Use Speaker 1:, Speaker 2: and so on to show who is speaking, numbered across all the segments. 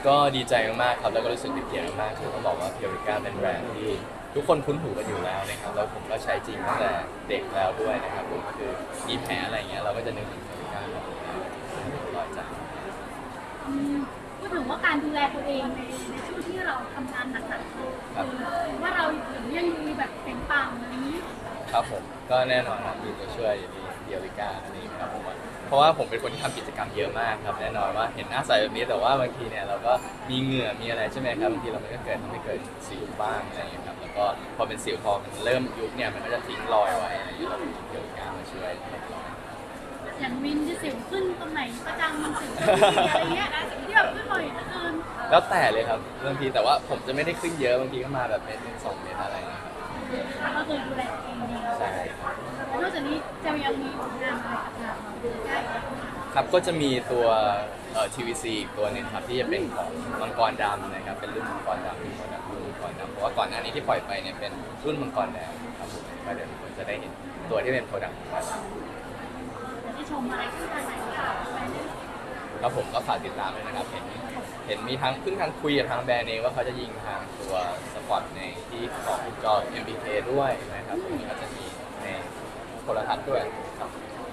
Speaker 1: ก็ดีใจมากๆครับแล้วก็รู้สึกเป็นเกียรติมากๆคือต้องบอกว่าเพียวริก้าเป็นแบรนด์ที่ทุกคนคุ้นหูกันอยู่แล้วนะครับแล้วผมก็ใช้จริงตั้งแต่เด็กแล้วด้วยนะครับผมคือมีแผลอะไรอย่างเงี้ยเราก็จะนึกถึงเพียวริก้าลอยจาก
Speaker 2: พูดถึงว่าการดูแลตัวเองในช่วงที่เราทำงานหนักๆว่าเรายังมีแบบเปล่งปลั่งอะไรนี้
Speaker 1: ครับผมก็แน่นอนครับมีตัวช่วยมีเพียวริก้าอันนี้ครับผมเพราะว่าผมเป็นคนที่ทำกิจกรรมเยอะมากครับแน่นอนว่าเห็นหน้าใสแบบนี้แต่ว่าบางทีเนี่ยเราก็มีเหงื่อมีอะไรใช่ไหมครับบางทีเรามันก็เกิดทำให้เกิดสิวบ้างอะไรอย่างเงี้ยครับแล้วก็พอเป็นสิวพอมันเริ่มยุบเนี่ยมันก็จะทิ้งรอยไว้อะไรอย่างเงี้ยเรามีเพียวริก้ามาช่วยลดรอย
Speaker 2: อย่างวินจะสิวขึ้นตรงไหนประจังมันสิวขึ้นอะไรเงี้ยที่แบบขึ้นบ่อยเหลือเกิน
Speaker 1: แล้วแต่เลยครับบางทีแต่ว่าผมจะไม่ได้ขึ้นเยอะบางทีก็มาแบบ1 2 เมตรอะไรอย่างเงี้ยครับ
Speaker 2: ก็คือดูแลตัวเองดี
Speaker 1: ใช่
Speaker 2: นอกจากนี้จะยังมีผลงานอะไรกับงานเราได้
Speaker 1: ครับก็จะมีตัวTVC อีกตัวหนึงครับที่จะเป็นของมังกรดำนะครับเป็นรุ่นมังกรดำเป็นโปรดักต์รุ่นมังกรดำเพราะว่าก่อนหน้านี้ที่ปล่อยไปเนี่ยเป็นรุ่นมังกรแดงครับผมก็เดี๋ยวทุกคนจะได้เห็นตัวที่เป็นโปรดักต์มังกรด
Speaker 2: จะได้ชมอะไรที่ทางไหนค่ะ
Speaker 1: ำครับผมก็ฝากติดตามด้วยนะครับเห็นมีทางเพิ่งทางคุยกับทางแบรนด์เองว่าเขาจะยิงทางตัวสปอตในที่ของจอ MBK ด้วยนะครับตรงนี้ก็จะมีในโทรทัศน์ด้วยครับ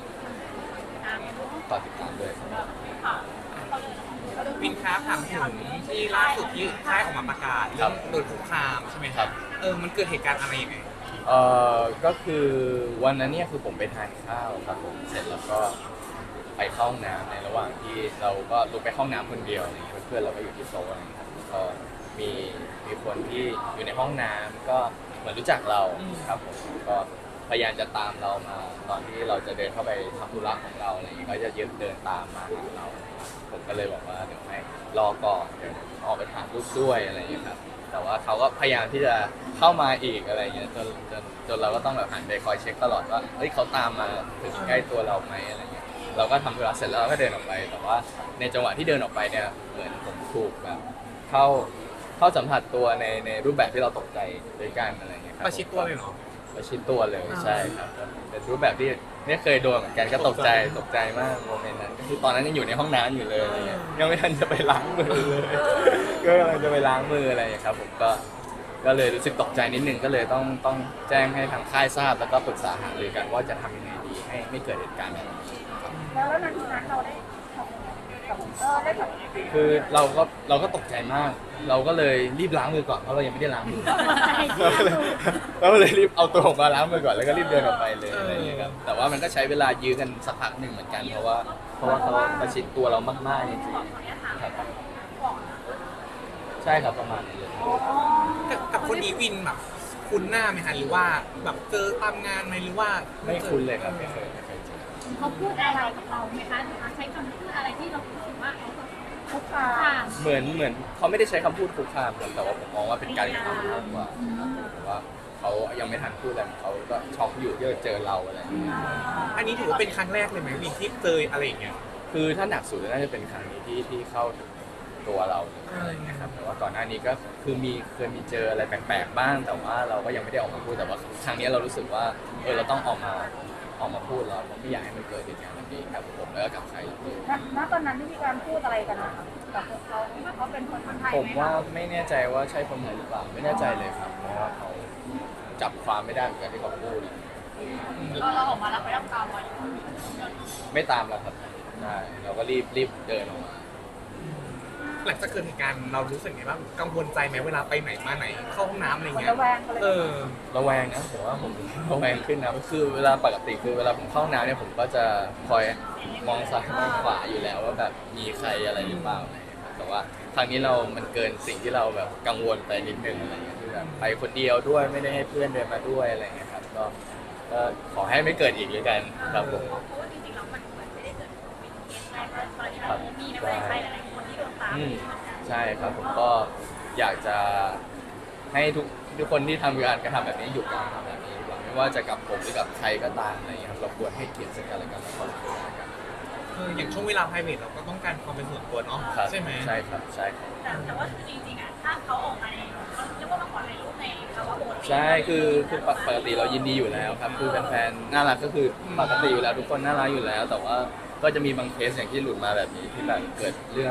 Speaker 1: ฝากติดตามด้วยครับ
Speaker 3: วินค้าถามถึงที่ล่าสุดที่ค่ายออกมาประกาศเรื่องโดนคุกคามใช่ไหมครับมันเกิดเหตุการณ์อะไรยังไง
Speaker 1: ก็คือวันนั้นเนี่ยคือผมไปทานข้าวครับผมเสร็จแล้วก็ไปเข้าห้องน้ำในระหว่างที่เราก็ลุกไปเข้าห้องน้ำคนเดียวอะไรเงี้ยเพื่อนเราก็อยู่ที่โต๊ะอะไรเงี้ยครับแล้วก็มีคนที่อยู่ในห้องน้ำก็เหมือนรู้จักเราครับผมก็พยายามจะตามเรามาตอนที่เราจะเดินเข้าไปทำธุระของเราอะไรเงี้ยก็จะยืนเดินตามมาหาเราผมก็เลยบอกว่าเดี๋ยวให้รอก่อนเดี๋ยวออกไปถ่ายรูปด้วยอะไรเงี้ยครับแต่ว่าเขาก็พยายามที่จะเข้ามาอีกอะไรเงี้ยจนเราก็ต้องแบบหันไปคอยเช็คตลอดว่าเฮ้ยเขาตามมาถึงใกล้ตัวเราไหมอะไรเงี้ยเราก็ทำธุระเสร็จแล้วเราก็เดินออกไปแต่ว่าในจังหวะที่เดินออกไปเนี่ยเหมือนผมถูกแบบเข้าสัมผัสตัวในรูปแบบที่เราตกใจด้วยกันอะไรเงี้ยครับ
Speaker 3: ประชิดตัวเลยเหรอ
Speaker 1: ประชิดตัวเลยใช่ครับเป็นรูปแบบที่ไม่เคยโดนเหมือนกันก็ตกใจมากโมเมนต์นั้นก็คือตอนนั้นยังอยู่ในห้องน้ำอยู่เลยอะไรเงี้ยยังไม่ทันจะไปล้างมือเลยก็กำลังจะไปล้างมืออะไรครับผมก็เลยรู้สึกตกใจนิดนึงก็เลยต้องแจ้งให้ทางค่ายทราบแล้วก็ปรึกษาหารือกันว่าจะทำยังไงดีให้ไม่เกิดเหตุการณ์แบบนี้
Speaker 2: แล้วนาทีนั้นเราได้ได้แบบ
Speaker 1: คือเราก็ตกใจมาก เราก็เลยรีบล้างมือก่อนเพราะเรายังไม่ได้ล้างมือเราเลยรีบเอาตัวออกมาล้างมือก่อนแล้วก็รีบเดินออกไปเลยอะไรอย่างเงี้ยครับแต่ว่ามันก็ใช้เวลายื้อกันสักพักหนึ่งเหมือนกันเพราะว่าเขาประชิดตัวเรามากๆจริงๆครับใช่ครับประมาณนี้เลย
Speaker 3: กับคนนี้วินแบบคุ้นหน้าไหมคะหรือว่าแบบเจอตามงานไหมหรือว่า
Speaker 1: ไม่คุ้นเลยครับไม่เคยเจอ
Speaker 2: เขาพูดอะไรกับเราไหมคะหรือใช้คำพูดอะไรที่เราคิดว่าเขาคุกคาม
Speaker 1: เหมือนเขาไม่ได้ใช้คำพูดคุกคามแต่ว่าผมมองว่าเป็นการกระทำมากกว่าเพราะว่าเขายังไม่ทันพูดอะไรเขาก็ช็อกอยู่ที่เจอเราอะไรอย่างเงี้ย
Speaker 3: อันนี้ถือว่าเป็นครั้งแรกเลยไหมวินที่เจออะไรอย่างเงี้ย
Speaker 1: คือถ้าหนักสุดน่าจะเป็นครั้งนี้ที่เข้าถึงตัวเราอะไรอย่างเงี้ยครับแต่ว่าก่อนหน้านี้ก็คือเคยมีเจออะไรแปลกๆบ้างแต่ว่าเราก็ยังไม่ได้ออกมาพูดแต่ว่าครั้งนี้เรารู้สึกว่าเราต้องออกมาพูดแล้วผมไม่อยากให้มันเกิดเหตุการณ์แบบนี้ครับผมแล้วก็กับใคร
Speaker 2: ณตอนนั้นที่มีการพูดอะไรกันนะคะกับเขาว่าเขาเป็นคนไทย
Speaker 1: ผมว่าไม่แน่ใจว่าใช่คนไทยหรือเปล่าไม่แน่ใจเลยครับเพราะว่าเขาจับความไม่ได้เหมือนกันที่เขาพูด
Speaker 2: เราออกมาแล้วไปรับตามมาอยู่
Speaker 1: ไม่ตามแล้วครับใช่เราก็รีบเดินออกมา
Speaker 3: หลังจากเกิดเหตุการณ์เรารู้สึกไงบ้างกังวลใจไหมเวลาไปไหนมาไหนเข้าห้องน้ำอะไรเงี้ย
Speaker 2: ระแวง
Speaker 1: ระแวงนะผมว่าผมระแวงขึ้นนะคือเวลาปกติคือเวลาผมเข้าห้องน้ำเนี่ยผมก็จะคอยมองซ้ายมองขวาอยู่แล้วว่าแบบมีใครอะไรหรือเปล่าอะไรเงี้ยแต่ว่าครั้งนี้มันเกินสิ่งที่เราแบบกังวลไปนิดนึงอะไรเงี้ยคือแบบไปคนเดียวด้วยไม่ได้ให้เพื่อนเดินมาด้วยอะไรเงี้ยครับก็ขอให้ไม่เกิดอีกเลยกันครับผม
Speaker 2: เพราะว่าจริงๆแล้วมันไม่ได้เกิดเป็นเคสแรกตอนที่เรามีนักแสดงไทยหลายคนที่โดนตาม
Speaker 1: ใช่ครับผมก็อยากจะให้ทุกคนที่ทำการกระทำแบบนี้หยุดการทำแบบนี้ดีกว่าไม่ว่าจะกับผมหรือกับใครก็ตามอะไรอย่างเงี้ยครับเราควรให้เกียรติซึ่งกันและกันและความเป็นกัน
Speaker 3: อย่างช่วงเวลา private เราก็ต้องการความเป็นส่วนตัวเนาะใช่ไหม
Speaker 1: ใช่ครับใช่ครับ
Speaker 2: แต่ว่าจริงๆอ่ะถ้าเขาออกมาในเขาเรียกว่ามาขอถ่ายรูปในภาวะปกติ
Speaker 1: ใช่คือปกติเรายินดีอยู่แล้วครับคือแฟนๆน่ารักก็คือปกติอยู่แล้วทุกคนน่ารักอยู่แล้วแต่ว่าก็จะมีบางเคสอย่างที่หลุดมาแบบนี้ที่แบบเกิดเรื่องอะไรอย่างเงี้ย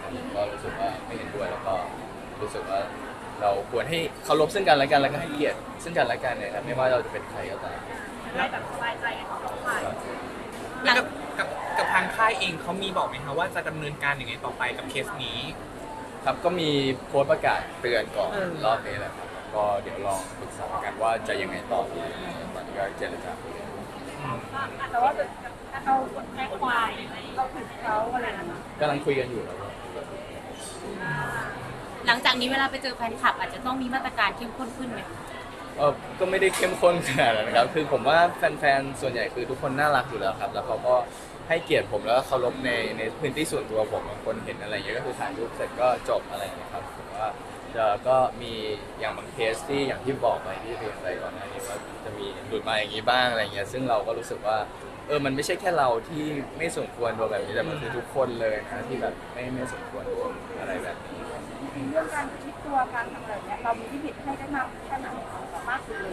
Speaker 1: ผมก็รู้สึกว่าไม่เห็นด้วยแล้วก็รู้สึกว่าเราควรให้เคารพซึ่งกันและกันแล้วก็ให้เกียรติซึ่งกันและกันเนี่ยครับไม่ว่าเราจะเป็นใครก็ตาม
Speaker 2: ได้แบบสบายใจกันทั้งสองฝ่าย
Speaker 3: แล้วกับทางค่ายเองเขามีบอกไหมคะว่าจะดำเนินการยังไงต่อไปกับเคสนี้
Speaker 1: ครับก็มีโพสต์ประกาศเตือนก่อน
Speaker 3: เออ
Speaker 1: รอบนี้แหละครับก็เดี๋ยวลองปรึกษากันว่าจะยังไงต่อดีตอนนี้ก็เจรจาคุยกัน
Speaker 2: แต่ว่าเรากดแค่ควายเราถึงเขาอะไรนะคะ
Speaker 1: กำลังคุยกันอยู่แล้ว
Speaker 4: หลังจากนี้เวลาไปเจอแฟนคลับอาจจะต้องมีมาตรการเข้มข้นขึ้นไหม
Speaker 1: ก็ไม่ได้เข้มข้นขนาดนั้นนะครับคือผมว่าแฟนๆส่วนใหญ่คือทุกคนน่ารักอยู่แล้วครับแล้วเขาก็ให้เกียรติผมแล้วก็เคารพในพื้นที่ส่วนตัวผมบางคนเห็นอะไรอย่างเงี้ยก็คือถ่ายรูปเสร็จก็จบอะไรอย่างเงี้ยครับผมว่าก็มีอย่างบางเคสที่อย่างที่บอกไปที่เรียนไปก่อนหน้านี้ว่าจะมีหลุดมาอย่างนี้บ้างอะไรเงี้ยซึ่งเราก็รู้สึกว่ามันไม่ใช่แค่เราที่ไม่สมควรโดนแบบนี้แต่มันคือทุกคนเลยนะที่แบบไม่สมควรโดนอะไรแบบนี้
Speaker 2: เรื่องการคิดตัวการทำอะไรเนี่ยเรามีลิมิตให้ได้มากแค่ไหนสามารถเลย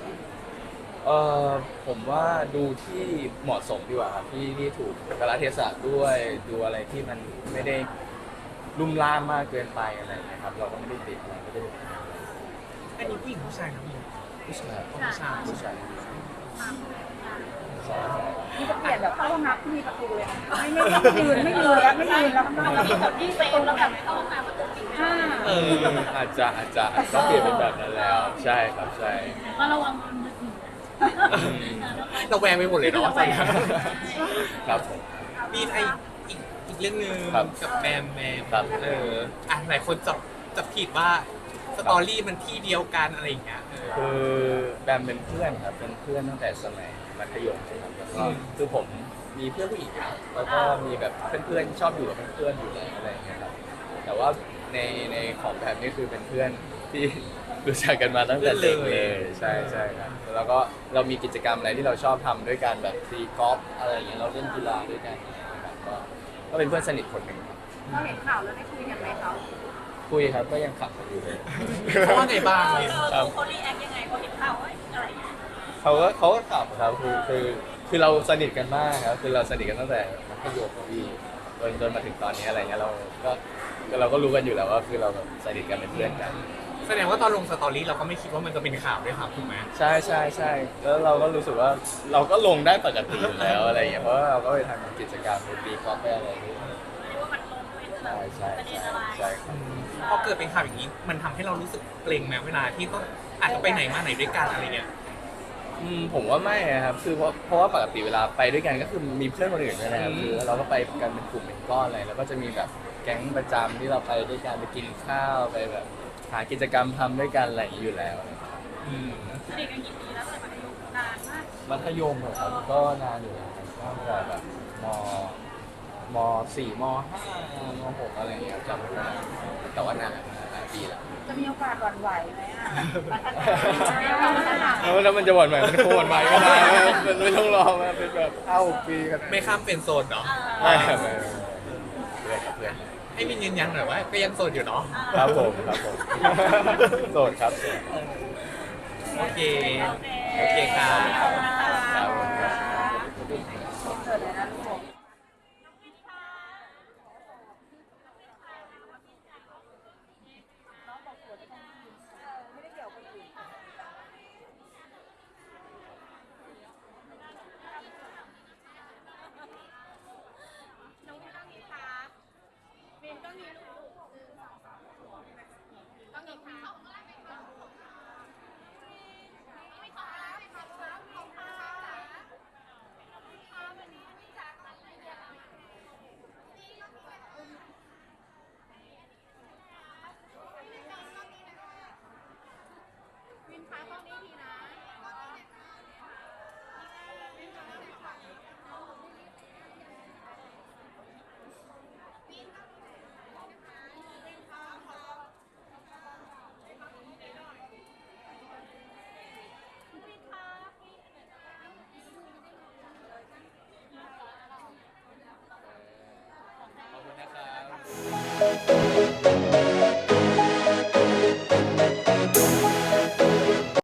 Speaker 1: ผมว่าดูที่เหมาะสมดีกว่าครับที่ถูกกาลเทศะด้วยดูอะไรที่มันไม่ได้ลุ่มล่ามมากเกินไปอะไรอย่างเงี้ยครับเราก็ไม่ได้ติดอะไรไม่ได้
Speaker 3: อันนี้ผู้หญิงผู้ชายนะพี่
Speaker 1: ผู้ชาย
Speaker 3: ผู้ชาย
Speaker 1: ผู้ชายใช่
Speaker 2: นี่จะเปลี่ยนแบบเข้าห้องน้ำที่มีประตูเลยนะไม่ยืนแล้วไม่ยืนแล้วเรามีคนที่เป็นแล้วแบบเข้าห้องน้ำประตูปิด
Speaker 3: เออ
Speaker 1: อาจจะต้องเปลี่ยนเป็นแบบนั้นแล้วใช่ครับใช่
Speaker 2: ก็ระวังมือถือ
Speaker 3: เราแวงไปหมดเลยเนาะตอนนี้
Speaker 1: ครับผม
Speaker 3: มีไออีกเรื่องหนึง
Speaker 1: ครับ
Speaker 3: กับแบม
Speaker 1: ครับ
Speaker 3: หลายคนจับผิดว่าสตอรี่มันที่เดียวกันอะไรอย่างเงี้ย
Speaker 1: คือแบมเป็นเพื่อนครับเป็นเพื่อนตั้งแต่สมัยมัธยมใช่ไหมครับแล้วก็คือผมมีเพื่อนผู้หญิงนะแล้วก็มีแบบเพื่อนๆชอบอยู่กับเพื่อนๆอยู่แล้วอะไรอย่างเงี้ยครับแต่ว่าในของแบบนี้คือเป็นเพื่อนที่รู้จักกันมาตั้งแต่เด็กเลยใช่ใช่ครับแล้วก็เรามีกิจกรรมอะไรที่เราชอบทำด้วยกันแบบตีกอล์ฟอะไรอย่างเงี้ยเราเล่นกีฬาด้วยกันนะครับก็เป็นเพื่อนสนิทคนหนึ่งครับ
Speaker 2: เราเห็นข่าวแล้วได้คุยกันไหมเขา
Speaker 1: คุยครับก็ยังขับกันอยู่เลย
Speaker 3: เขาว่าไงบ้างเลย
Speaker 1: ครับ
Speaker 2: เขารีแอคยังไงเขาเห็นข่าวว่าอะไรอย่างเงี้ย
Speaker 1: เขาก็ขับครับคือเราสนิทกันมากครับคือเราสนิทกันตั้งแต่มัธยมครับพี่จนมาถึงตอนนี้อะไรเงี้ยเราก็รู้กันอยู่แล้วว่าคือเราแบบสนิทกันเป็นเพื่อนกัน
Speaker 3: แสดงว่าตอนลงสตอรี่เราก็ไม่คิดว่ามันจะเป็นข่าวด้วยครับถูกไหม
Speaker 1: ใช่แล้วเราก็รู้สึกว่าเราก็ลงได้ปกติอยู่แล้วอะไรอย่างเงี้ยเพราะว่าเราก็ไปทำกิจกรรมไปตีกอล์ฟไปอะไรด้วย
Speaker 2: เรียกว่ามันลงเป็นแบบ
Speaker 1: ใช่
Speaker 2: ประเด็นอะไร
Speaker 1: ใช่ครับ
Speaker 3: พอเกิดเป็นข่าวอย่างนี้ มันทำให้เรารู้สึกเกรงไหมเวลาที่ต้องอาจจะไปไหนมาไหนด้วยกันอะไรเงี้ย
Speaker 1: ผมว่าไม่นะครับคือเพราะว่าปกติเวลาไปด้วยกันก็คือมีเพื่อนคนอื่นด้วยนะครับคือเราก็ไปกันเป็นกลุ่มเป็นก้อนอะไรแล้วก็จะมีแบบแก๊งประจำที่เราไปด้วยกันไปกินข้าวไปแบบหากิจกรรมทำด้วยกันอะไรอย่างนี้อยู่แล้ว
Speaker 2: สนิทกันกี่ปีแล้วแต่มันอยู่นานมาก
Speaker 1: มัธยมเหรอครับก็นานอยู่นะครับตั้งแต่แบบม .4 ม .5 ม .6 อะไรอย่างเงี้ยจำไม่ได้แต่ว่านานหลายปีแล้ว
Speaker 2: จะมีโอกาสหวั่นไหวไหมอ่ะพัฒนา
Speaker 1: แล้วมันจะหวั่นไหวมันคงหวั่นไหวก็ได้มันไม่ต้องรอมาเป็นแบบ5-6 ปีกัน
Speaker 3: ไม่ข้ามเป็นโซนเนาะ
Speaker 1: ไม่ครับไม่เพื่อนครับเพื่อน
Speaker 3: ให้มินยืนยันหน่อยว่าก็ยังโสดอยู่เนาะ
Speaker 1: ครับผมโสดครับ
Speaker 3: โอเค โอเคครับ